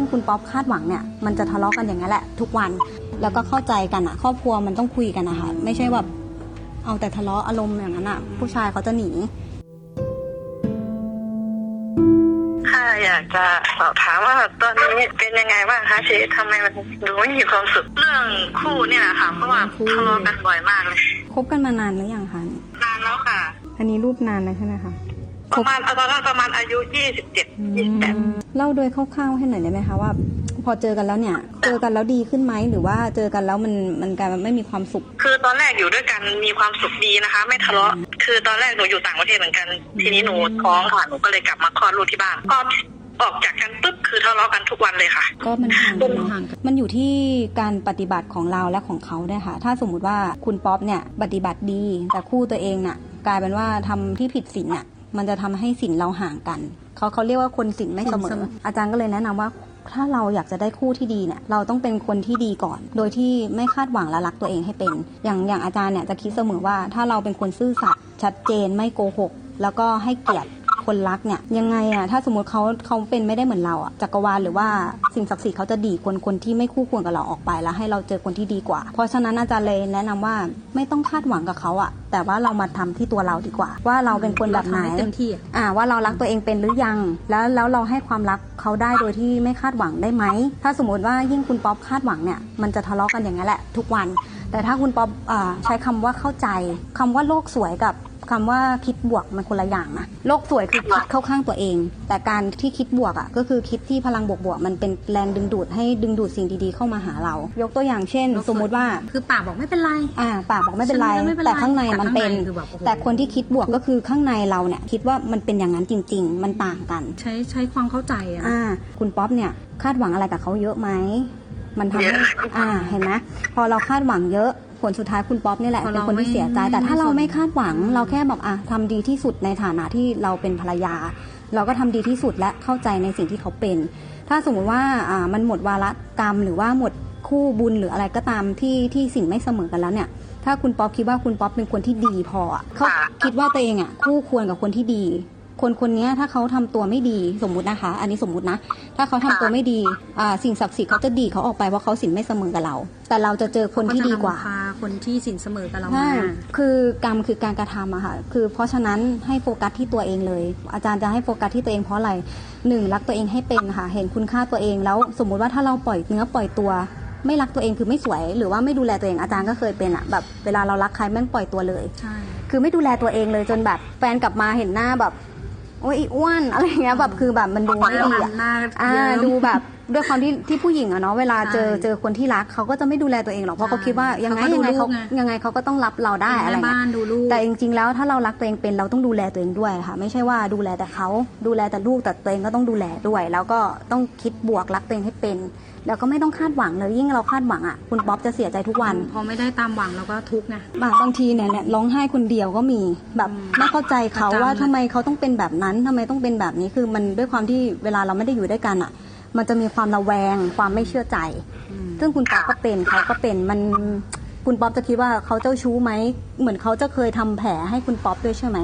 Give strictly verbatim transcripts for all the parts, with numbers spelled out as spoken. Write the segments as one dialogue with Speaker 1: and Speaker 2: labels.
Speaker 1: คุณป๊อปคาดหวังเนี่ยมันจะทะเลาะกันอย่างนั้นแหละทุกวันแล้วก็เข้าใจกันอ่ะครอบครัวมันต้องคุยกันนะคะไม่ใช่แบบเอาแต่ทะเลาะอารมณ์อย่างนั้นอ่ะผู้ชายเขาจะหนี
Speaker 2: ค่ะอยากจะสอบถามว่าตอนนี้เป็นยังไงบ้างคะชีวิตทำไมมันดูไม่มีความสุขเรื่องคู่เนี่ยแหละค่ะเพราะว่าทะเลาะกันบ่อยมากเลย
Speaker 1: คบกันมานานหรือยังคะ
Speaker 2: นานแล้วค่ะ
Speaker 1: อันนี้รูปนานแล้วใช่ไหมคะ
Speaker 2: ประมาณตอนนั้นประมาณอายุยี่สิบเจ็ด ยี่สิบแปด
Speaker 1: เล่าโดยคร่าวๆให้หน่อยได้ไหมคะว่าพอเจอกันแล้วเนี่ยเจอกันแล้วดีขึ้นไหมหรือว่าเจอกันแล้วมันมันกลายเป็นไม่มีความสุข
Speaker 2: คือตอนแรกอยู่ด้วยกันมีความสุขดีนะคะไม่ทะเลาะคือตอนแรกหนูอยู่ต่างประเทศเหมือนกันทีนี้หนูท้องค่ะหนูก็เลยกลับมาคลอดลูกที่บ้านก็ออกจากกันปุ๊บคือทะเลาะกันทุกวันเลยค่ะ
Speaker 1: ก็มันห่างกันห่างกันมันอยู่ที่การปฏิบัติของเราและของเขาด้วยค่ะถ้าสมมุติว่าคุณป๊อปเนี่ยปฏิบัติดีแต่คู่ตัวเองน่ะกลายเป็นว่าทำที่ผิดศีลน่ะมันจะทำให้ศีลเราห่างกันเขาเขาเรียกว่าคนศีลไม่เสมออาจารย์ก็เลยแนะนำว่าถ้าเราอยากจะได้คู่ที่ดีเนี่ยเราต้องเป็นคนที่ดีก่อนโดยที่ไม่คาดหวังและรักตัวเองให้เป็นอย่างอย่างอาจารย์เนี่ยจะคิดเสมอว่าถ้าเราเป็นคนซื่อสัตย์ชัดเจนไม่โกหกแล้วก็ให้เกียรติคนรักเนี่ยยังไงอะถ้าสมมติเขาเขาเป็นไม่ได้เหมือนเราอะจักรวาลหรือว่าสิ่งศักดิ์สิทธิ์เขาจะดีคนคนที่ไม่คู่ควรกับเราออกไปแล้วให้เราเจอคนที่ดีกว่าเพราะฉะนั้นอาจารย์เลยแนะนำว่าไม่ต้องคาดหวังกับเขาอะแต่ว่าเรามาทำที่ตัวเราดีกว่าว่าเราเป็นคนแบบไหน
Speaker 3: เต็มที่
Speaker 1: อ่าว่าเรารักตัวเองเป็นหรือยังแล้วแล้วเราให้ความรักเขาได้โดยที่ไม่คาดหวังได้ไหมถ้าสมมติว่ายิ่งคุณป๊อปคาดหวังเนี่ยมันจะทะเลาะกันอย่างนั้นแหละทุกวันแต่ถ้าคุณป๊อปใช้คำว่าเข้าใจคำว่าโลกสวยกับคำว่าคิดบวกมันคนละอย่างนะโลกสวยคือคิดเข้าข้างตัวเองแต่การที่คิดบวกอ่ะก็คือคิดที่พลังบวกๆมันเป็นแรงดึงดูดให้ดึงดูดสิ่งดีๆเข้ามาหาเรายกตัวอย่างเช่นสมมุติว่า
Speaker 3: คือปากบอกไม่เป็นไร
Speaker 1: อ่าปากบอกไม่เป็นไรแต่ข้างในมันเป็นแต่คนที่คิดบวกก็คือข้างในเราเนี่ยคิดว่ามันเป็นอย่างนั้นจริงๆมันต่างกัน
Speaker 3: ใช้ใช้ความเข้าใจอ่ะ
Speaker 1: อ่าคุณป๊อปเนี่ยคาดหวังอะไรกับเขาเยอะไหมมันทำให้อ่าเห็นไหมพอเราคาดหวังเยอะผลสุดท้ายคุณป๊อปนี่แหละเป็นคนที่เสียใจแต่ถ้าเราไม่คาดหวังเราแค่แบบอ่ะทำดีที่สุดในฐานะที่เราเป็นภรรยาเราก็ทำดีที่สุดและเข้าใจในสิ่งที่เขาเป็นถ้าสมมติว่าอ่ามันหมดวาระกรรมหรือว่าหมดคู่บุญหรืออะไรก็ตามที่ที่สิ่งไม่เสมอกันแล้วเนี่ยถ้าคุณป๊อปคิดว่าคุณป๊อปเป็นคนที่ดีพอเขาคิดว่าตัวเองอ่ะคู่ควรกับคนที่ดีคนคนนี้ถ้าเขาทำตัวไม่ดีสมมุตินะคะอันนี้สมมุตินะถ้าเขาทำตัวไม่ดีอ่าสิ่งศักดิ์สิทธิ์เขาจะดีเขาออกไปเพราะเขาศีลไม่เสมอกับเราแต่เราจะเจอคนที่ดีกว่า
Speaker 3: คนที่ศีลเสมอกับเรา
Speaker 1: คือกรรมคือการกระทำอะค่ะคือเพราะฉะนั้นให้โฟกัสที่ตัวเองเลยอาจารย์จะให้โฟกัสที่ตัวเองเพราะอะไรหนึ่งรักตัวเองให้เป็นค่ะเห็นคุณค่าตัวเองแล้วสมมุติว่าถ้าเราปล่อยเนื้อปล่อยตัวไม่รักตัวเองคือไม่สวยหรือว่าไม่ดูแลตัวเองอาจารย์ก็เคยเป็นอะแบบเวลาเรารักใครแม่งปล่อยตัวเลย
Speaker 3: ใช่
Speaker 1: คือไม่ดูแลตัวเองเลยจนแบบแฟนกลับมาเห็นหน้าแบบโอ้ยอ้วนอะไรเงี้ยแบบคือแบบมันดูไม่ดีอ่ะดูแบบด้วยความที่ที่ผู้หญิงอะเนาะเวลาเจอเจอคนที่รักเขาก็จะไม่ดูแลตัวเองหรอกเพราะเขาคิดว่ายังไงยังไงเขายังไงเขาก็ต้องรับเราได้อะไรเงี้ยแต่จริงๆแล้วถ้าเรารักตัวเองเป็นเราต้องดูแลตัวเองด้วยค่ะไม่ใช่ว่าดูแลแต่เขาดูแลแต่ลูกแต่ตัวเองก็ต้องดูแลด้วยแล้วก็ต้องคิดบวกรักตัวเองให้เป็นแล้วก็ไม่ต้องคาดหวังเลยยิ่งเราคาดหวังอ่ะคุณป๊อปจะเสียใจทุกวัน
Speaker 3: พอไม่ได้ตามหวังเราก็ทุกข์ไง
Speaker 1: บางทีเนี่ยร้องไห้คนเดียวก็มีแบบไม่เข้าใจเขาว่าทำไมเขาต้องเป็นแบบนั้นทำไมต้องเป็นแบบนี้คือมันด้วยความที่เวลาเราไม่ได้อยู่ด้วยกันอ่ะมันจะมีความระแวงความไม่เชื่อใจซึ่งคุณป๊อปก็เป็นเขาก็เป็นมันคุณป๊อปจะคิดว่าเขาเจ้าชู้ไหมเหมือนเขาจะเคยทำแผลให้คุณป๊อปด้วยใช่ไหม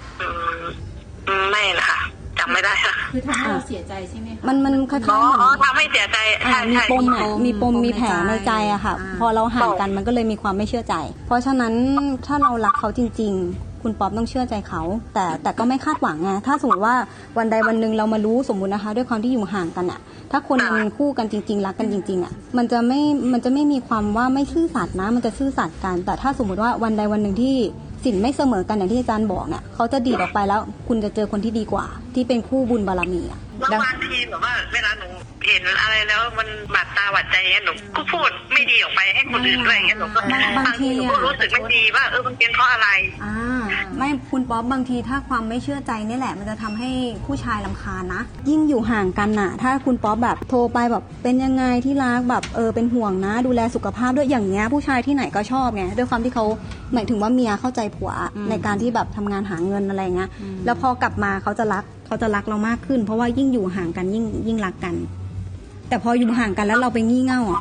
Speaker 2: ไม่นะคะจำไม่ได้ค่ะ
Speaker 3: คือทำให้เราเสียใจใช่ไหมคะ
Speaker 1: มันมันคล้ายๆ
Speaker 2: อ๋อทำให้เสียใจ
Speaker 1: มีปมอ่ะมีปมมีแผลในใจอะค่ะพอเราห่างกันมันก็เลยมีความไม่เชื่อใจเพราะฉะนั้นถ้าเรารักเขาจริงๆคุณป๊อปต้องเชื่อใจเขาแต่แต่ก็ไม่คาดหวังไงถ้าสมมติว่าวันใดวันหนึ่งเรามารู้สมมุตินะคะด้วยความที่อยู่ห่างกันอะถ้าคนมันคู่กันจริงๆรักกันจริงๆอะมันจะไม่มันจะไม่มีความว่าไม่ซื่อสัตย์นะมันจะซื่อสัตย์กันแต่ถ้าสมมติว่าวันใดวันหนึ่งที่ศีลไม่เสมอกันอย่างที่อาจารย์บอกเนี่ยเขาจะดีออกไปแล้วคุณจะเจอคนที่ดีกว่าที่เป็นคู่บุญบารมีอ่ะ
Speaker 2: บางทีแบบว่าเวลาหนูเห็นอะไรแล้วมันบาดตาบาดใจเงี้ยหนูก็พูดไม่ดีออกไปให้คนอื่นด้วยเงี้ยหนูก็บางทีหนูก็รู้สึกไม่ดีว่าเออมันเป็นเพราะอะไร
Speaker 1: อ่าไม่คุณป๊อปบางทีถ้าความไม่เชื่อใจนี่แหละมันจะทำให้ผู้ชายรำคาญนะยิ่งอยู่ห่างกันน่ะถ้าคุณป๊อปแบบโทรไปแบบเป็นยังไงที่รักแบบเออเป็นห่วงนะดูแลสุขภาพด้วยอย่างเงี้ยผู้ชายที่ไหนก็ชอบไงด้วยความที่เขาหมายถึงว่าเมียเข้าใจผัวในการที่แบบทำงานหาเงินอะไรเงี้ยแล้วพอกลับมาเขาจะรักเขาจะรักเรามากขึ้นเพราะว่ายิ่งอยู่ห่างกันยิ่งยิ่งรักกันแต่พออยู่ห่างกันแล้วเราไปงี่เง่าอ่ะเข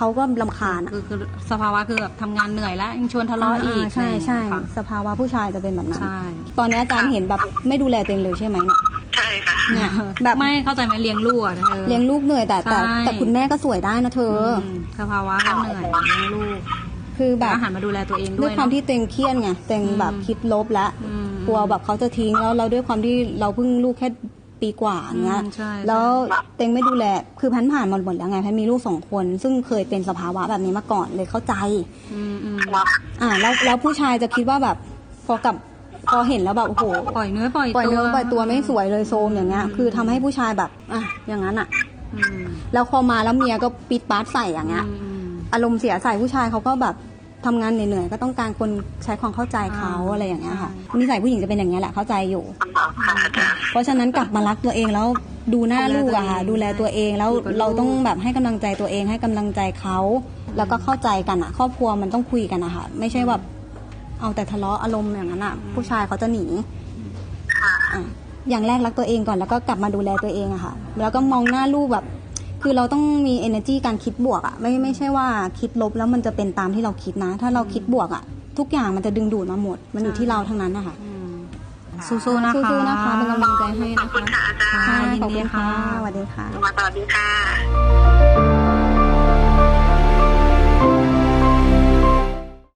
Speaker 1: เขาก็รำคาญอะ
Speaker 3: คือคือสภาวะคือแบบทำงานเหนื่อยแล้วยังชวนทะเลาะอีก
Speaker 1: ใช่ใช่
Speaker 3: ค่ะ
Speaker 1: สภาวะผู้ชายจะเป็นแบบนั้น
Speaker 3: ใช่
Speaker 1: ตอนนี้อาจารย์เห็นแบบไม่ดูแลตัวเองเลยใช่ไหมเนี่ย
Speaker 2: ใช่ค่ะ
Speaker 1: เนี่ยแบบ
Speaker 3: ไม่เข้าใจไหมเลี้ยงลูกอะเธอ
Speaker 1: เลี้ยงลูกเหนื่อยแต่แต่
Speaker 3: ใช่
Speaker 1: แต่คุณแม่ก็สวยได้นะเธอ
Speaker 3: อืมสภาวะก็เหนื่อยเลี้ยงลูก
Speaker 1: คือแบ
Speaker 3: แต่
Speaker 1: บ
Speaker 3: อาหารมาดูแลตัวเองด้
Speaker 1: ด้
Speaker 3: ว
Speaker 1: วย
Speaker 3: ย
Speaker 1: ความ
Speaker 3: เนอะ
Speaker 1: ที่ตัวเองเครียดไงตัวเองแบบ
Speaker 3: อืม
Speaker 1: คิดลบแล้ว
Speaker 3: อืม
Speaker 1: กลัวแบบเขาจะทิ้งแล้วเราด้วยความที่เราเพิ่งลูกแค่ปีกว่าอย่างเงี้ย
Speaker 3: อืมใช่
Speaker 1: แล้วเต็งไม่ดูแลคือพันผ่านมาหมดแล้วไงพันมีลูกสองคน ซึ่งเคยเป็นสภาวะแบบนี้มาก่อนเลยเข้าใจ
Speaker 3: อืมอืม
Speaker 1: อ่าแล้วแล้วผู้ชายจะคิดว่าแบบพอกับพอเห็นแล้วแบบโอ้โห
Speaker 3: ปล่อยเนื้อปล่อย
Speaker 1: ปล่อย
Speaker 3: ตัว
Speaker 1: เนื้อปล่อยตัวไม่สวยเลยโซมอย่างเงี้ยคือทำให้ผู้ชายแบบอ่ะอย่างนั้นอ่ะ
Speaker 3: อืม
Speaker 1: แล้วพอมาแล้วเมียก็ปิดปาร์ตใส่อย่างเงี้ย
Speaker 3: อืม
Speaker 1: อารมณ์เสียใส่ผู้ชายเขาก็แบบทำงานเหนื่อยๆก็ต้องการคนใช้ความเข้าใจเขา
Speaker 3: อ่า
Speaker 1: อะไรอย่างเงี้ยค่ะ
Speaker 3: ใช่
Speaker 1: นิสัยผู้หญิงจะเป็นอย่างเงี้ยแหละเข้าใจอยู่
Speaker 2: ค่ะอาจารย์
Speaker 1: เพราะฉะนั้นกลับมารักตัวเองแล้วดูหน้าลูกอะค่ะดูแลตัวเองแล้ว
Speaker 3: อยู่กับลูก
Speaker 1: เราต้องแบบให้กำลังใจตัวเองให้กำลังใจเขาแล้วก็เข้าใจกันอะครอบครัวมันต้องคุยกันอะค่ะไม่ใช่แบบเอาแต่ทะเลาะอารมณ์อย่างนั้นอะผู้ชายเขาจะหนี
Speaker 2: ค่ะ
Speaker 1: อ่ะอย่างแรกรักตัวเองก่อนแล้วก็กลับมาดูแลตัวเองอะค่ะ แล้วก็มองหน้าลูกแบบ คือเราต้องมี energy การคิดบวกอะไม่ไม่ใช่ว่าคิดลบแล้วมันจะเป็นตามที่เราคิดนะ ถ้าเราคิดบวกอะทุกอย่างมันจะดึงดูดมาหมด มันอยู่ที่เราทั้งนั้นนะคะ
Speaker 3: อืมสู้ๆนะคะ
Speaker 1: สู้ๆนะคะเป็นกำลังใจให้
Speaker 2: ขอบ
Speaker 1: นะ
Speaker 2: คุณ
Speaker 1: คะ
Speaker 2: ค่ะอาจารย์
Speaker 3: ค่ะ
Speaker 1: ค่ะ
Speaker 3: ยิน
Speaker 1: ขอบ
Speaker 3: ดี
Speaker 1: คุณ
Speaker 3: ค่ะ
Speaker 1: ค่ะสวัสดีค่ะ
Speaker 2: มาสวัสดีค่ะ